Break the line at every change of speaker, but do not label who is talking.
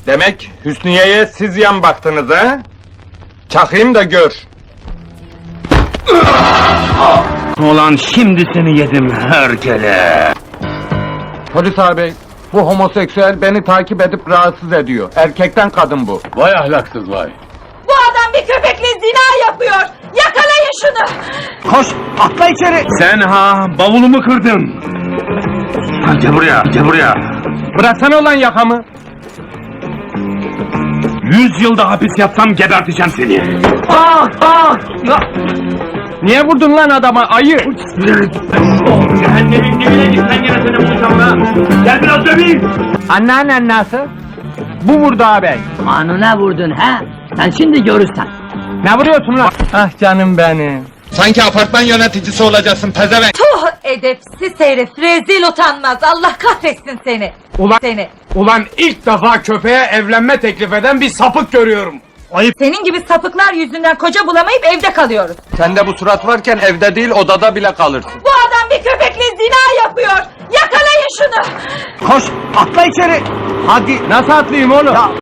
Demek Hüsniye'ye siz yan baktınız ha? Çakayım da gör.
Ulan şimdi seni yedim herkele.
Polis abi, bu homoseksüel beni takip edip rahatsız ediyor. Erkekten kadın bu.
Vay ahlaksız vay.
Bu adam bir köpekle zina yapıyor. Yakalayın şunu.
Koş, atla içeri. Sen ha, bavulumu kırdın. Gel buraya, gel buraya.
Bıraksana ulan yakamı.
100 yılda hapis yatsam geberteceğim seni.
Niye vurdun lan adama ayı?
Cehennemin dibine git, sen gene seni bulacağım lan. Gel biraz döveyim.
Anneannen nasıl? Bu vurdu ağabey.
Kanuna vurdun ha? Sen şimdi görürsen.
Ne vuruyorsun lan? Ah canım benim. Sanki apartman yöneticisi olacaksın pezevenk.
Tuh edepsiz herif, rezil utanmaz. Allah kahretsin seni.
Ulan ilk defa köpeğe evlenme teklif eden bir sapık görüyorum.
Senin gibi sapıklar yüzünden koca bulamayıp evde kalıyoruz.
Sende bu surat varken evde değil odada bile kalırsın.
Bu adam bir köpekle zina yapıyor. Yakalayın şunu.
Koş atla içeri. Hadi nasıl atlayayım oğlum?